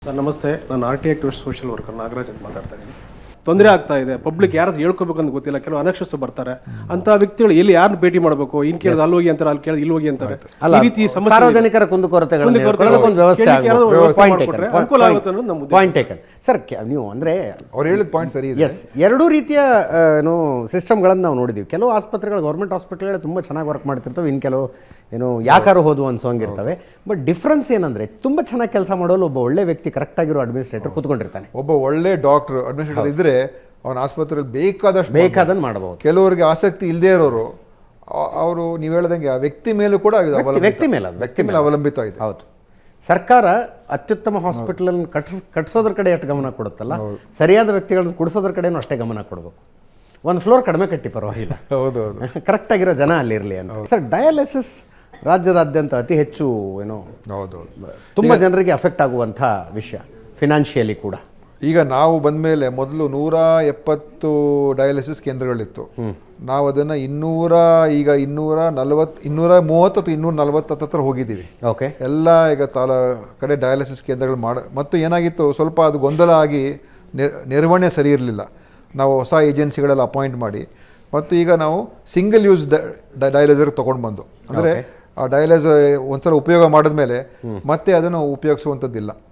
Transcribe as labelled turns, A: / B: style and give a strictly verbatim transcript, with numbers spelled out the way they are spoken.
A: Sir ನಮಸ್ತೆ, ನಾನು R T activist social worker Nagaraj ಅಂತ ಮಾತಾಡ್ತಾ ಇದ್ದೀನಿ. ತೊಂದರೆ ಆಗ್ತಾ ಇದೆ, ಪಬ್ಲಿಕ್ ಯಾರು ಹೇಳ್ಕೋಬೇಕಂತ ಗೊತ್ತಿಲ್ಲ, ಕೆಲವು ಅನಕ್ಷರಸ್ಥರು ಬರ್ತಾರೆ, ಅಂತ ವ್ಯಕ್ತಿಗಳು ಎಲ್ಲಿ ಯಾರನ್ನ ಭೇಟಿ ಮಾಡಬೇಕು, ಇನ್ ಕೇಳಿದ್ರೆ ಅಲ್ಲಿ ಹೋಗಿ ಅಂತಾರೆ, ಅಲ್ಲಿ ಕೇಳಿದ್ರೆ ಇಲ್ಲಿ ಹೋಗಿ ಅಂತಾರೆ. ಈ ರೀತಿ ಸಮಸ್ಯೆ
B: ಸಾರ್ವಜನಿಕರ ಕುಂದುಕೊರತೆಗಳನ್ನು ಹೇಳ್ಕೊಳ್ಳೋದಕ್ಕೆ ಒಂದು ವ್ಯವಸ್ಥೆ
A: ಮಾಡಿಕೊಟ್ರೆ ಅನುಕೂಲ ಆಗುತ್ತೆ ಅನ್ನೋದು ನಮ್ಮ ಉದ್ದೇಶ.
B: Point taken sir. ನೀವು ಅಂದರೆ
C: ಅವ್ರು ಹೇಳಿದ ಪಾಯಿಂಟ್ ಸರಿ ಇದೆ.
B: ಎಸ್, ಎರಡೂ ರೀತಿಯ ಏನು ಸಿಸ್ಟಮ್ಗಳನ್ನು ನಾವು ನೋಡಿದ್ದೀವಿ. ಕೆಲವು ಆಸ್ಪತ್ರೆಗಳು, ಗೌರ್ಮೆಂಟ್ ಹಾಸ್ಪಿಟಲ್ಗಳು ತುಂಬ ಚೆನ್ನಾಗಿ ವರ್ಕ್ ಮಾಡ್ತಿರ್ತವೆ, ಇನ್ನು ಕೆಲವು ಏನು ಯಾಕಾರು ಹೋದು ಅನ್ಸೋಂಗಿರ್ತವೆ. ಬಟ್ ಡಿಫ್ರೆನ್ಸ್ ಏನಂದರೆ, ತುಂಬ ಚೆನ್ನಾಗಿ ಕೆಲಸ ಮಾಡೋಳು ಒಬ್ಬ ಒಳ್ಳೆ ವ್ಯಕ್ತಿ, ಕರೆಕ್ಟಾಗಿರೋ ಅಡ್ಮಿನಿಸ್ಟ್ರೇಟರ್ ಕೂತ್ಕೊಂಡಿರ್ತಾನೆ.
C: ಒಬ್ಬ ಒಳ್ಳೆ ಡಾಕ್ಟರ್ ಅಡ್ಮಿನಿಸ್ಟ್ರೇಟರ್ ಇದ್ರೆ ಅವನ ಆಸ್ಪತ್ರೆಯಲ್ಲಿ ಬೇಕಾದಷ್ಟು
B: ಬೇಕಾದನ್ನು ಮಾಡಬಹುದು.
C: ಕೆಲವರಿಗೆ ಆಸಕ್ತಿ ಇಲ್ಲದೆ ಇರೋರು ಅವರು ನೀವು ಹೇಳ್ದಂಗೆ ಆ ವ್ಯಕ್ತಿ ಮೇಲೂ ಕೂಡ
B: ವ್ಯಕ್ತಿ ಮೇಲೆ
C: ವ್ಯಕ್ತಿ ಮೇಲೆ ಅವಲಂಬಿತ ಇದೆ.
B: ಹೌದು, ಸರ್ಕಾರ ಅತ್ಯುತ್ತಮ ಹಾಸ್ಪಿಟಲನ್ನು ಕಟ್ಸ್ ಕಟ್ಸೋದ್ರ ಕಡೆ ಎಷ್ಟು ಗಮನ ಕೊಡುತ್ತಲ್ಲ, ಸರಿಯಾದ ವ್ಯಕ್ತಿಗಳನ್ನು ಕುಡಿಸೋದ್ರ ಕಡೆನೂ ಅಷ್ಟೇ ಗಮನ ಕೊಡಬೇಕು. ಒಂದು ಫ್ಲೋರ್ ಕಡಿಮೆ ಕಟ್ಟಿ ಪರವಾಗಿಲ್ಲ,
C: ಹೌದು ಹೌದು
B: ಕರೆಕ್ಟಾಗಿರೋ ಜನ ಅಲ್ಲಿರಲಿ ಅಂತ. ಸರ್, ಡಯಾಲಿಸಿಸ್ ರಾಜ್ಯದಾದ್ಯಂತ ಅತಿ ಹೆಚ್ಚು ಏನೋ
C: ಹೌದು
B: ತುಂಬ ಜನರಿಗೆ ಅಫೆಕ್ಟ್ ಆಗುವಂಥ ವಿಷಯ, ಫಿನಾನ್ಷಿಯಲಿ ಕೂಡ.
C: ಈಗ ನಾವು ಬಂದ ಮೇಲೆ ಮೊದಲು ನೂರ ಎಪ್ಪತ್ತು ಡಯಾಲಿಸಿಸ್ ಕೇಂದ್ರಗಳಿತ್ತು. ನಾವು ಅದನ್ನು ಇನ್ನೂರ ಈಗ ಇನ್ನೂರ ನಲವತ್ತು ಇನ್ನೂರ ಮೂವತ್ತು ಅಥವಾ ಇನ್ನೂರ ನಲವತ್ತು ಹತ್ರ ಹೋಗಿದ್ದೀವಿ.
B: ಓಕೆ,
C: ಎಲ್ಲ ಈಗ ತಾಲ ಕಡೆ ಡಯಾಲಿಸಿಸ್ ಕೇಂದ್ರಗಳು ಮಾಡ ಮತ್ತು ಏನಾಗಿತ್ತು, ಸ್ವಲ್ಪ ಅದು ಗೊಂದಲ ಆಗಿ ನಿರ್ವಹಣೆ ಸರಿ ಇರಲಿಲ್ಲ. ನಾವು ಹೊಸ ಏಜೆನ್ಸಿಗಳೆಲ್ಲ ಅಪಾಯಿಂಟ್ ಮಾಡಿ ಮತ್ತು ಈಗ ನಾವು ಸಿಂಗಲ್ ಯೂಸ್ ಡಯಾಲಿಸರ್ ತೊಗೊಂಡು ಬಂದು, ಅಂದರೆ ಆ ಡಯಾಲಿಸ್ ಒಂದ್ಸಲ ಉಪಯೋಗ ಮಾಡಿದ್ಮೇಲೆ ಮತ್ತೆ ಅದನ್ನು ಉಪಯೋಗಿಸುವಂಥದ್ದಿಲ್ಲ.